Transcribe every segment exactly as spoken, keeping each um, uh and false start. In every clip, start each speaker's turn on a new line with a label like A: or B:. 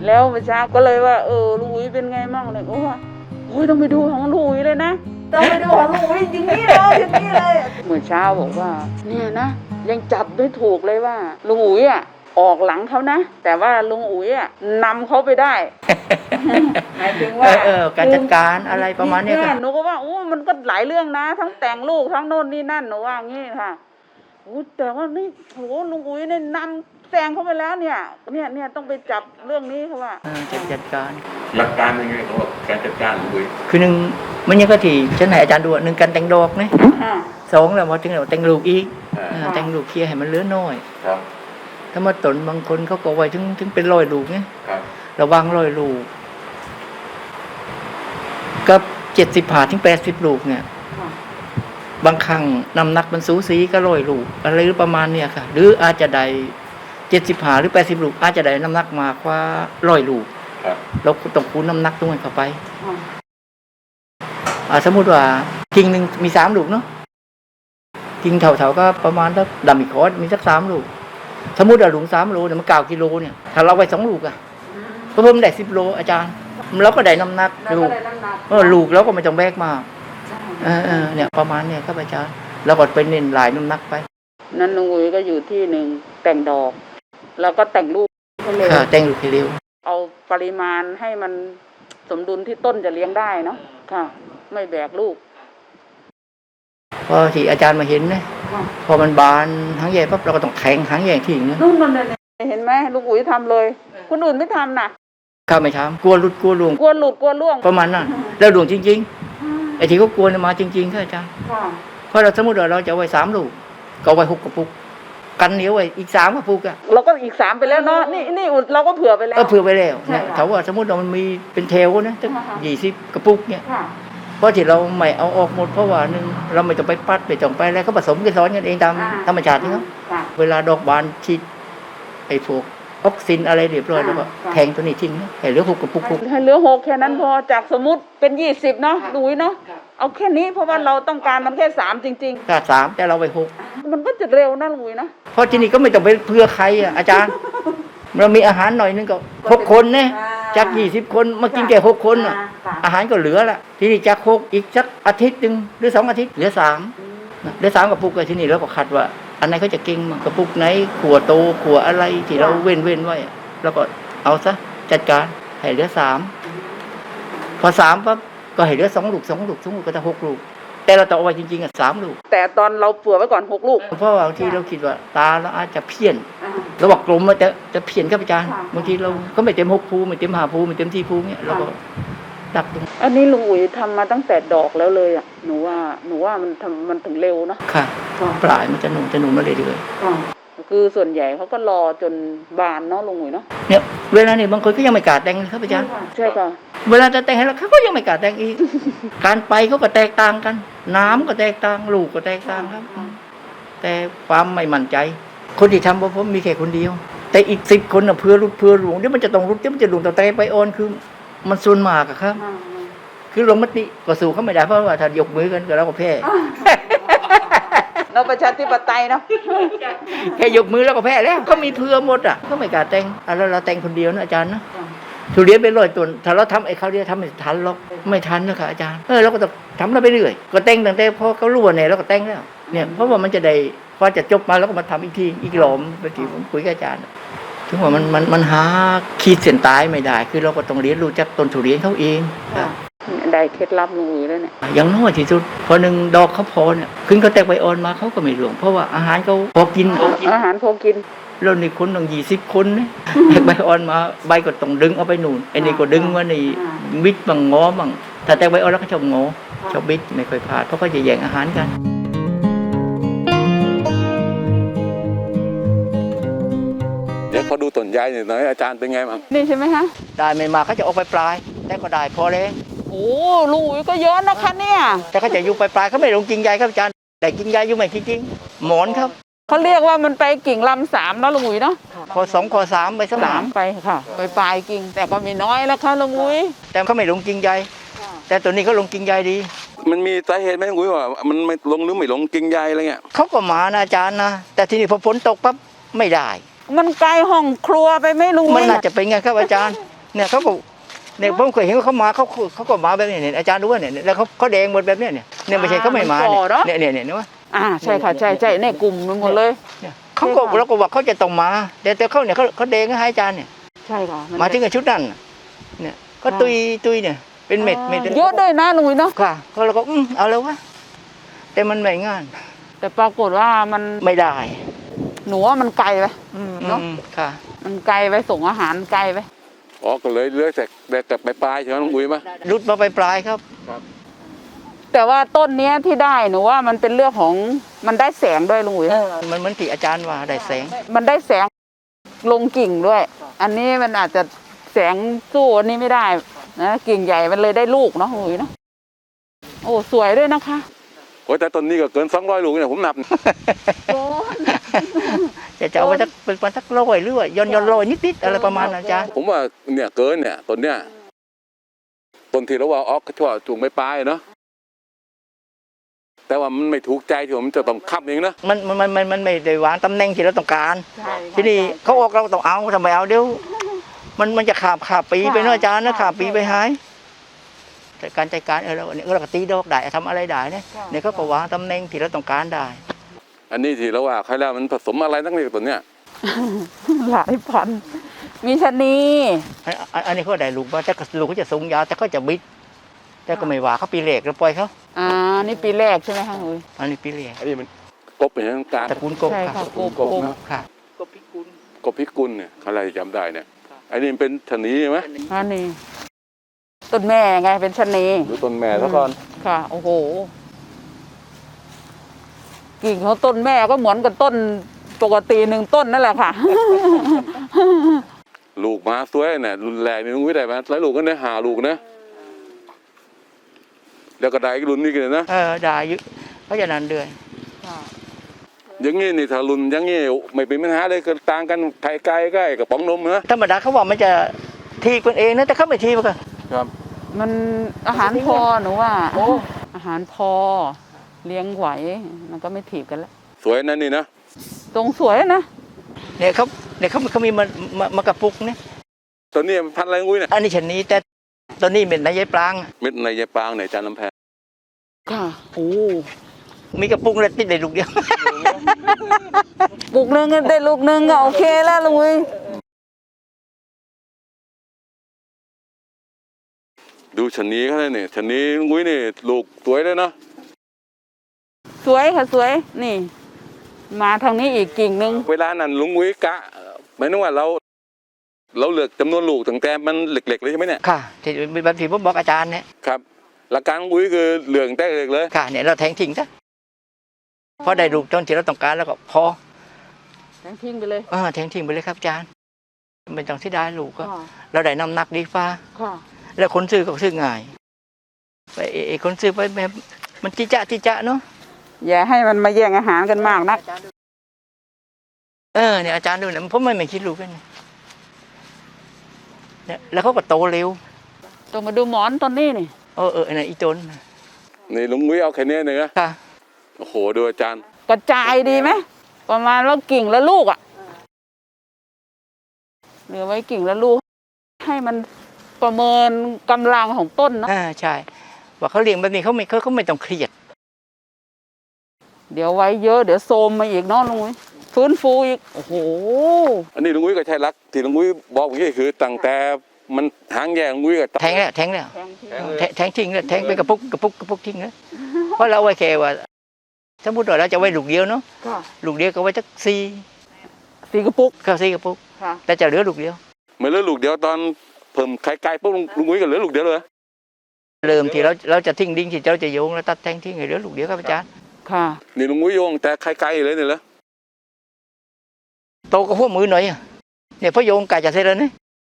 A: แล้วเมื่อเช้าก็เลยว่าเออลุงอุ๋ยเป็นไงมั่งเลยก็ว่าโอ้ยต้องไปดูของลุงอุ๋ยเลยนะต้องไปดูของลุงอุ๋ยจริงนี่เลยจริงนี่เลยเมื่อเช้าบอกว่าเนี่ยนะยังจับไม่ถูกเลยว่าลุงอุ๋ยอ่ะออกหลังเขานะแต่ว่าลุงอุ๋ยอ่ะนำเขาไปได้หมายถึงว่า
B: เออการจัดการอะไรประมาณนี้ค่ะ
A: หนูก็ว่าโอ้มันก็หลายเรื่องนะทั้งแต่งลูกทั้งโน่นนี่นั่นหนูว่างี้ค่ะโอ้แต่ว่านี่โหลุงอุ๋ยเนี่ยนำแซงเขาไปแล้วเนี่ยเนี่ยเนี่ยต้องไปจับเรื่องนี้เขาว่า
B: จัดจัดการ
C: หลักการยังไงเขาบอกการจัดการลุงอุ๋ย
B: คือหนึ่งมันยังก็ที่ฉันให้อาจารย์ดูหนึ่งการแต่งดอกนะสองแล้วพอถึงเราแต่งลูกอีกแต่งลูกเคลียร์ให้มันเหลือน้อยถ้ามาตนบางคนเขาก็ไว้ถึงถึงเป็นร้อยลูกเนี่ยระวังร้อยลูกกับเจ็ดสิบผ่าถึงแปดสิบลูกเนี่ยบางครั้งน้ำหนักมันสูสีก็ร้อยลูกอะไรหรือประมาณเนี่ยค่ะหรืออาจจะได้เจ็ดสิบผ่าหรือแปดสิบลูกอาจจะได้น้ำหนักมากกว่าร้อยลูกเราต้องคูณน้ำหนักตรงนั้นเข้าไปสมมติว่ากิ่งหนึ่งมีสามลูกเนาะกิ่งเถาๆก็ประมาณสักดำอีกคอร์ดมีสักสามลูกสมมติว่าหลุมสามโลเนี่ยมันเก้ากิโลเนี่ยถ้าเราไปสองลูกอะก็เพิ่มได้สิบโลอาจารย์เราก็ได้น้ำหนักลูกเออลูกแล้วก็ไม่ต้องแบกมากเออเออเนี่ยประมาณเนี่ยครับอาจารย์แล้วก็ไปเน้นหลายน้ำหนักไป
A: นั่นลุงอุ๋ยก็อยู่ที่หนึ่งแต่งดอกแล้วก็แต่งลูก
B: ค่ะแต่งลูกให้เร็ว
A: เอาปริมาณให้มันสมดุลที่ต้นจะเลี้ยงได้เนาะค่ะไม่แบกลูก
B: พอที่อาจารย์มาเห็นนะพอมันบานหางใหญ่ปั๊บเราก็ต้องแทงหางใหญ่ทิ้งนะ
A: นู่นนั่นเลยเห็นไหมลุงอุ๋ยทำเลยคนอื่นไม่ทำนะ
B: ข้าไม่ทำกลัวหลุดกลัวล่วง
A: กลัวหลุดกลัวล่วง
B: ประมาณนั้นแล้วล่วงจริงๆไอ้ที่เขากลัวมาจริงๆค่ะอาจารย์เพราะเราสมมติว่าเราจะไว้สามลูกก็ไว้หกกระปุกกันเหนียวไว้อีกสามกระปุกอะ
A: เราก็อีกสามไปแล้วเนาะนี่นี่เราก็เผื่อไปแล้ว
B: เออเผื่อไปแล้วเนี่ยถ้าว่าสมมติเรามันมีเป็นเทลนะตั้งยี่สิบกระปุกเนี่ยเพราะที่เราไม่เอาออกหมดเพราะว่านึงเราไม่ต้องไปปัดไปจ่องไปแล้วก็ผสมกันซ้อนกันเองตามธรรมชาตินี่เนาะเวลาดอกบานฉีดไอ้พวกออกซินอะไรเรียบร้อยแล้วก็แทงตัวนี้ทิ้งให้เหลือหกกระปุก
A: ให้เหลือหกแค่นั้นพอจากสมมุติเป็นยี่สิบเนาะดูเนาะเอาแค่นี้เพราะว่าเราต้องการมันแค่สามจริง
B: ๆถ้าสามแต่เราไปหก
A: มันก็จะเร็วนะลุยนะ
B: เพราะที่นี่ก็ไม่ต้องไปเพื่อใครอ่ะอาจารย์เรามีอาหารหน่อยนึงก็หกคนเนี่ยจากยี่สิบคนมากินแค่หกคนอ่ะอาหารก็เหลือละที่นี่จากหกอีกสักอาทิตย์หนึ่งหรือสองอาทิตย์เหลือสามเหลือสามกระปุกเลยที่นี่แล้วก็คัดว่าอันไหนเขาจะเก่งกระปุกไหนขัวโตขัวอะไรที่เราเว้นเว้นไว้แล้วก็เอาซะจัดการให้เหลือสามพอสามปั๊บก็ให้เหลือสองลูกสองลูกสองลูกก็จะหกลูกแต่เราต้องเอาไว้จริงๆอ่ะสามลูก
A: แต่ตอนเราเผื่อไว้ก่อนหกลูก
B: เพราะบางทีเราคิดว่าตาเราอาจจะเพี้ยนเราบอกกลมมันจะจะเพี้ยนครับอาจารย์บางทีเราก็ไม่เต็มหกภูไม่เต็มห้าภูไม่เต็มที่ภูเนี่ยเราก็ดักตรง
A: อันนี้ลุงอุ๋ยทำมาตั้งแต่ดอกแล้วเลยอ่ะหนูว่าหนูว่ามันทำมันถึงเร็วนะ
B: ค่ะปลายมันจะหนุ่มจะหนุ่มมาเรื่อย
A: ๆคือส่วนใหญ่เขาก็รอจนบานเนาะลุงอุ๋ยเนาะ
B: เนี่ยเวลาเนี่ยบางคนก็ยังไม่กล้าแต่งเลยครับอาจารย์
A: ใช่ค่ะ
B: เวลาจะแต่งให้เราเขาก็ยังไม่กล้าแต่งอีกการไปเขาก็แตกต่างกันน้ำก็แตกต่างลูกก็แตกต่างครับแต่ความไม่มั่นใจคนที่ทำเพราะผมมีแค่คนเดียวแต่อีกสิบคนน่ะเพื่อรุดเพื่อหลวงเดี๋ยวมันจะต้องรุดเดี๋ยวมันจะหลวงต่อแต่ไปออนคือมันส่วนมากอะครับคือลงมติก็สู้เขาไม่ได้เพราะว่าถ้ายกมือกันก็เราก็แพ้
A: เราประชาธิปไตยเนาะ
B: แค่ยกมือแล้วก็แพ้แล้วเขามีเพื่อหมดอ่ะเขาไม่กล้าแต่งแล้วเราแต่งคนเดียวนะอาจารย์นะทุเรียนไปร้อยต้นถ้าเราทำไอ้เขาเรียกทำไม่ทันหรอกไม่ทันนะคะอาจารย์เออเราก็ต้องทำเราไปเรื่อยก็แต่งตั้งแต่พอเขารู้ว่าเนี่ยเราก็แต่งแล้วเนี่ยเพราะว่ามันจะได้พอจะจบมาแล้วก็มาทำอีกทีอีกหลอมไปที่ผมคุยกับอาจารย์ถึงว่ามันมันมันหาขีดเส้นตายไม่ได้คือเราก็ต้องเรียนรู้จากต้นทุเรียนเขาเอง
A: ได้เคล็ดลับลุงอุ๋ยแล้วเนี่ย
B: อย่างน้อยที่สุดพอหนึ่งดอกเขาพอเนี่ยขึ้นเขาแตกใบอ่อนมาเขาก็ไม่หลวงเพราะว่าอาหารเขาพอกิน
A: อาหารพอกิน
B: แล้วนี่คนต้องยี่สิบคนเนี่ยแตกใบอ่อนมาใบก็ต้องดึงเอาไปหนุนไอ้นี่ก็ดึงว่านี่บิดบังงอบังถ้าแตกใบอ่อนแล้วก็ชอบงอชอบบิดไม่ค่อยพลาดเพราะเขาจะแย่งอาหารกัน
C: เดี๋ยวพอดูต้นใหญ่หน่อยอาจารย์เป็นไงบ้าง
A: นี่ใช่ไหมฮะ
B: ได้ไม่มาเขาจะออกไปปลายแต่ก็ได้พอเลย
A: โอ้ลุงอุ๋ยก็เยอะนะคะเนี่ย
B: แต่เขาจะอยู่ปลายๆเขาไม่ลงกิ่งใหญ่ครับอาจารย์แต่กิ่งใหญ่อยู่ไม่จริงๆหมอนครับ
A: เขาเรียกว่ามันไปกิ่งลำสามแล้วลุงอุ๋ยเนาะ
B: พอสองพอสามไปสัก
A: สามไปค่ะไปปลายกิ่งแต่ก็มีน้อยแล้วค่ะลุงอุ๋ย
B: แต่เขาไม่ลงกิ่งใหญ่แต่ตัวนี้เขาลงกิ่งใหญ่ดี
C: มันมีสาเหตุไหมลุงอุ๋ยว่ามันไม่ลงหรือไม่ลงกิ่งใหญ่อะไรเงี้ย
B: เขาก็มานะอาจารย์นะแต่ทีนี้พอฝนตกปั๊บไม่ได้
A: มันไกลห้องครัวไปไม่ลุง
B: มันน่าจะเป็นไงครับอาจารย์เนี่ยเขาก็เนี่ยผมเคยเห็นว่าเขามาเขาเขาก็มาแบบนี้เนี่ยอาจารย์รู้ว่าเนี่ยแล้วเขาเขาแดงหมดแบบเนี้ยเนี่ยเนี่ยไม่ใช่เขาไม่มาเนี่ยเนี่ยเนี่ยเนี่ยว่า
A: อ่าใช่ค่ะใช่ใช่ในกลุ่มนึงหมดเลย
B: เนี่ยเขาก็เราก็บอกเขาจะต้องมาแต่แต่เขาเนี่ยเขาเขาแดงให้อาจารย์เนี่ย
A: ใช่ค่ะ
B: มาถึงกับชุดนั้นน่ะเนี่ยก็ตุยตุยเนี่ยเป็นเม็ดเม็ด
A: เยอะด้วยนะลุงวิเนาะ
B: ค่ะก็เราก็อืมเอาแล้ววะแต่มันไม่งาน
A: แต่ปรากฏว่ามัน
B: ไม่ได้
A: หนูว่ามันไกลไป
B: อืม
A: เนาะ
B: อืมค่ะ
A: มันไกลไปส่งอาหารไกลไป
C: อ๋อก็เลยเลือกแต่แต่แต่ปลายๆใช่ไหมลุงอุ้ยมั้ย
B: รุดมาปลายๆครับ
A: แต่ว่าต้นเนี้ยที่ได้หนูว่ามันเป็นเรื่องของมันได้แสงด้วยลุงวิ
B: มันเหมือนที่อาจารย์ว่าได้แสง
A: มันได้แสงลงกิ่งด้วย อันนี้มันอาจจะแสงสู้อันนี้ไม่ได้นะกิ่งใหญ่มันเลยได้ลูกเนาะลุงวิเนาะโอ้สวยด้วยนะคะ
C: โอ้ยแต่ต้นนี้ก็เกินสองร้อยลูกเนี่ยผมนับ
B: จะจะเอาไปสักเป็นสักร้อยหรือว่าย้อนย้อนร้อยนิดๆอะไรประมาณนั้นอาจารย์
C: ผมว่าเนี่ยเกินเนี่ยต้นเนี่ยต้นที่เราว่าออกก็ชั่วจูงไม่ปลายเนาะแต่ว่ามันไม่ถูกใจที่ผมจะต้องคับเองนะ
B: มันมันมันมันมันไม่ได้วางตำแหน่งที่เราต้องการ
A: ใช่
B: ทีนี้เขาออกเราต้องเอาทำไมเอาเดี๋ยวมันมันจะขาบขาบปีไปเนาะอาจารย์นะขาบปีไปหายแต่การจัดการเออเราเนี่ยเราก็ตีดอกได้ทำอะไรได้เนี่ยเนี่ยเขาก็วางตำแหน่งที่เราต้องการได้
C: อันนี้ที่เราว่าใครแล้วมันผสมอะไรตั้งแต่ต้นเนี่ย
A: หลายพันมีชะนี
B: อันอันอันนี้เขาได้ลูกมาแต่ก็ลูกเขาจะสูงยาวแต่เขาจะบิดแต่ก็ไม่ว่าเขาปีเหล็กเราปล่อยเขา
A: อ่านี่ปีแรกใช่ไหมคะลุงวิ
B: อันนี้ปีเหล็ก
C: อันนี้มันกบเป็นทางการ
B: ตระกูลกบ
A: ใช่
B: ครั
A: ค่ะ
B: บ
A: กบ
C: กบนะ
B: ค่ะกบพิกุล
C: กบพิกุลเนี่ยใครจำได้เนี่ยอันนี้เป็นชะนีใช่ไหม
A: อันนี้ต้นแม่ไงเป็นชะนี
C: ดูต้นแม่ซะก่อน
A: ค่ะโอ้โหกิ่งของต้นแม่ก็เหมือนกับต้นปกติหนึ่งต้นนั่นแหละค่ะ
C: ลูกมาสวยเนี่ยรุนแรงนี่ลุงวิได้ไหมหลายลูกก็ได้หาลูกนะแล้วก็ได้อีกรุ่นนี้กันนะ
B: เออได้อยุเขาจะนานเดือน
C: อย่างงี้นี่ถ้ารุ่นอย่างงี้ไม่เป็นปัญหาเลยก็ต่างกันไข่ไก่ใกล้กับป๋องนมนะ
B: ธรรมดาเขาว่ามันจะทีกันเองนะแต่เขาไม่ทีมันก็
C: ครับ
A: มันอาหารพอหนูว่าอาหารพอเลี้ยงไหวมันก็ไม่ถีบกันแล้ว
C: สวยนั่นนี่นะ
A: ตรงสวยนะ
B: เนี่ยเขาเนี่ยเขาเขามีมามามากระปุกเนี่ย
C: ตอนนี้พันธุ์อะไรลุงวิเนี่ย
B: อันนี้ชนนี้แต่ตอนนี้เป็นนายายปลาง
C: เม็ดในยายปางในจานน้ำแพง
A: ค่ะโอ้
B: มีกระปุกเลยติดในลูกเดียว
A: ปลูกหนึ่งก็ได้ลูกหนึ่งก็โอเคแล้วลุงวิ
C: ดูชะนีเขาเลยเนี่ยชะนีลุงวินี่ลูกสวยเลยเนาะ
A: สวยค่ะสวยนี่ มาทางนี้อีกกิ่งหนึ่ง
C: เวลานั้นลุงวิกะหมายถึงว่าเรา เราเลือกจำนวนลูกตั้งแต่มันเล็กๆเลยใช่ไหมเนี่ย
B: ค่ะที่แบบที่ผมบอกอาจารย์เนี่ย
C: ครับหลักการลุงวิคือเลือกตั้งแต่เล็กเลย
B: ค่ะเนี่ยเราแทงทิ้งซะพอได้ลูกจนที่เราต้องการแล้วก็พอ
A: แทงทิ้งไปเลย
B: เออแทงทิ้งไปเลยครับอาจารย์ไม่ต้องที่ได้ลูกก็
A: ค่ะ
B: เราได้น้ำหนักดีฟ้า
A: ค่ะ
B: แล้วคนซื้อก็ซื้อง่ายไปเอเอคนซื้อไปแบบมันจิจะจิจะเนาะ
A: อย่าให้มันมาแย่งอาหารกันมากนัก
B: เออเนี่ยอาจารย์ดูเนี่ยผมไม่ไม่คิดลูกกันเนี่ยแล้วเขาก็โตเร็ว
A: ต้องมาดูหมอนต้นนี้นี่
B: เออเออเนี่ยอีจน
C: นี่ลุงวิเอาแค่นี้เนี่ยนะ
B: ค่ะ
C: โอ้โหดูอาจารย์
A: กระจายดีไหมประมาณว่ากิ่งละลูกอ่ะเหลือไว้กิ่งละลูก ให้มันประเมินกำลังของต้นเนาะ
B: อ่าใช่ว่าเขาเลี้ยงแบบนี้เขาไม่เขาเขาไม่ต้องเครียด
A: เดี๋ยวไว้เยอะเดี๋ยวโซมมาอีกเนาะลุงวิฟื้นฟูอีกโอ้โห
C: อันนี้ลุงวิก็ใช่รักที่ลุงวิบอกเมื่อกี้คือตั้งแต่มันหางแย่ลุงวิก็
B: แทงแล้วแทงแล้ว
A: แทงทิ้ง
B: แทแทงทิ้งแล้วแทงไปกระปุกกระปุกกระปุกทิ้งแล้วเพราะเราไว้แค่ว่าสมมติว่าเราจะไว้ลูกเดียวเนาะ
A: ค่ะ
B: ลูกเดียวก็ไว้สักสี่
A: สีกระปุก
B: ก็สี่กระปุก
A: ค่ะ
B: แต่จะเหลือลูกเดียว
C: เหมือนเหลือลูกเดียวตอนเพิ่มไข่ไก่ปุ๊บลุงลุงวิก็เหลือลูกเดียวเลย
B: เริ่มที่เราเราจะทิ้งดิ้งที่เราจะโยงแล้วตัดแทงทิ้งให้เหลือลูกเดียวครับอาจารย์
A: ค่ะ
C: นี่ลุงวิโยงแต่ไข่ไก่เลยเนี่ยเหรอ
B: โตกับหัวมือหน่อยอะเนี่ยพอโยงไก่จะเสร็จแล้วเนี่ย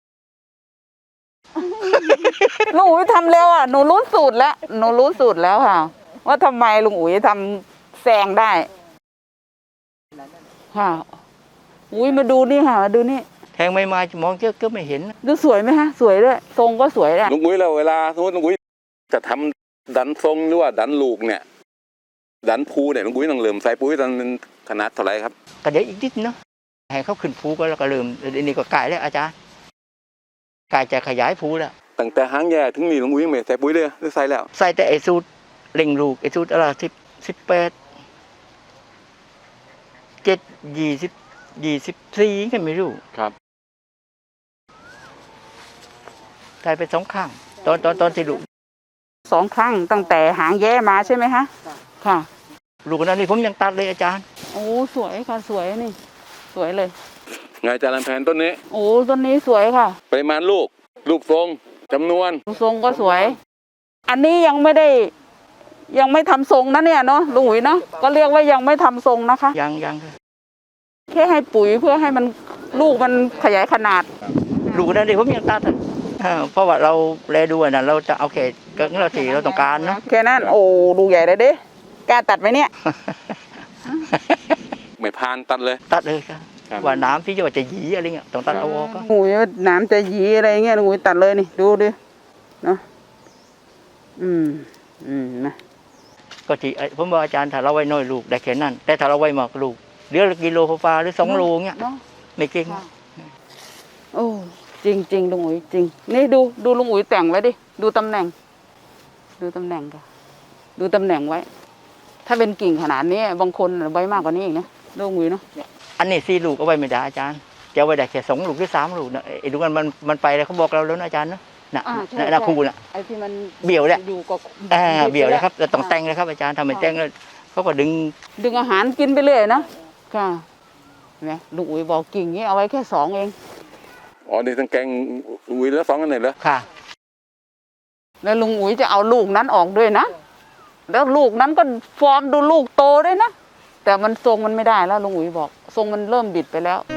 A: ลุงอุ๋ยทำเร็วอ่ะหนูรู้สูตรแล้วหนูรู้สูตรแล้วค่ะ ว่าทำไมลุงอุ๋ยทำแซงได้ค่ะอุ้ยมาดูนี่ค่ะมาดูนี่
B: แทงไม่มาจะมองเจ้าก็ไม่เห็น
A: ดูสวยไหมฮะสวยด้วยทรงก็สวยแหละ
C: ลุงวิแล้วเวลาสมมติลุงวิจะทำดันทรงหรือว่าดันลูกเนี่ย ดันภูเนี่ยลุงวิต้องเริ่มใส่ปุ๋ยตอนขนาดเท่าไหร่ครับ
B: ก็เดี๋ยวอีกนิดเนาะให้เขาขึ้นภูก็แล้วก็เริ่มเดี๋ยวนี้ก็ไก่แล้วอาจารย์ไก่กายจะขยายภูแล้ว
C: ตั้งแต่หางแย่ถึงนี่ลุงอุ้ยยังไม่ใส่ปุ๋ยเลยหรือใส่แล้ว
B: ใส่แต่ไอสูตรเล่งลูกไอสูตรอะไรสิบสิบแปดเจ็ดยี่สิบยี่สิบสี่ก็ไม่รู้
C: ครับ
B: ใส่ไปสองข้างตอนตอนตอนที่ลูก
A: สองครั้งตั้งแต่หางแย้มาใช่ไหมคะค่ะ
B: ลูกนั้นนี่ผมยังตัดเลยอาจารย์
A: โอ้สวยค่ะสวยนี่ สวยเลย
C: ไงอาจารย์ลำแพนต้นนี้
A: โอ้ต้นนี้สวยค่ะ
C: ปริมาณลูกรูปทรงจำนวน
A: ทรงก็สวย อันนี้ยังไม่ได้ ยังไม่ทำทรงนะเนี่ยเนาะลุงอุ๋ยเนาะก็เรียกว่ายังไม่ทำทรงนะคะ
B: ยังยัง
A: แค่ให้ปุ๋ยเพื่อให้มันลูกมันขยายขนาด
B: ลูกนั้นนี่ผมยังตัดอะเออเพราะว่าเราแลดูอะนะเราจะเอาเขตก็เราที่เราต้องการเนาะ
A: แค่นั้นโอ้ดูใหญ่เลยดิกล้าตัดไหมเนี่ย
C: ไม่พานตัดเลย
B: ตัดเลยครับ
C: ครับ
B: ว่าน้ำที่จะว่าจะหยีอะไรเงี้ยต้องตัดเอาออกก็
A: โอ้ยน้ำจะหยีอะไรเงี้ยลุงอุ๋ยตัดเลยนี่ดูดิเนาะอืมอืมนะ
B: ก็ที่ไอ้ผมบอกอาจารย์ถ้าเราไว้น้อยลูกได้แค่นั้น แต่ถ้าเราไว้มากลูกเหลือกิโลฟ้าหรือสองโลเงี้ย
A: เนาะ
B: ไม่เก่ง
A: ค่ะ โอ้จริงจริงลุงอุ๋ยจริงนี่ดูดูลุงอุ๋ยแต่งไว้ดิดูตำแหน่ง ดูตำแหน่งค่ะดูตำแหน่งไว้ ถ้าเป็นกิ่งขนาดนี้บางคนไว้มากกว่านี้อีกนะลุงอุ๋ยเนาะ
B: อันนี้สี่ลูกเอาไว้ไม่ได้อาจารย์จะเอาไว้ได้แค่สองลูกหรือสามลูกนะไอ้ลูกนั้นมันมันไปแล้วเขาบอกเราแล้วนะอาจารย์นะน่ะ
A: อ่าใช่
B: น่ะ
A: ใช่
B: น่ะครูน่ะ
A: ไอ้ที่มัน
B: เบี่ยวเนี่ย
A: อยู่ก็
B: อ่าเบี่ยวเลยครับเราต้องแต่งเลยครับอาจารย์ทำเป็นแต่งแล้วเขาก็ดึง
A: ดึงอาหารกินไปเรื่อยนะค่ะเห็นไหมลุงอุ๋ยบอกกิ่งนี้เอาไว้แค่สองเอง
C: อ๋อนี่ทั้งแกงอุ้ยแล้วสองกันไหนเหรอ
B: ค่ะ
A: แล้วลุงอุ๋ยจะเอาลูกนั้นออกด้วยนะแล้วลูกนั้นก็ฟอร์มดูลูกโตด้วยนะแต่มันทรงมันไม่ได้แล้วลุงอุ๋ยบอกทรงมันเริ่มบิดไปแล้ว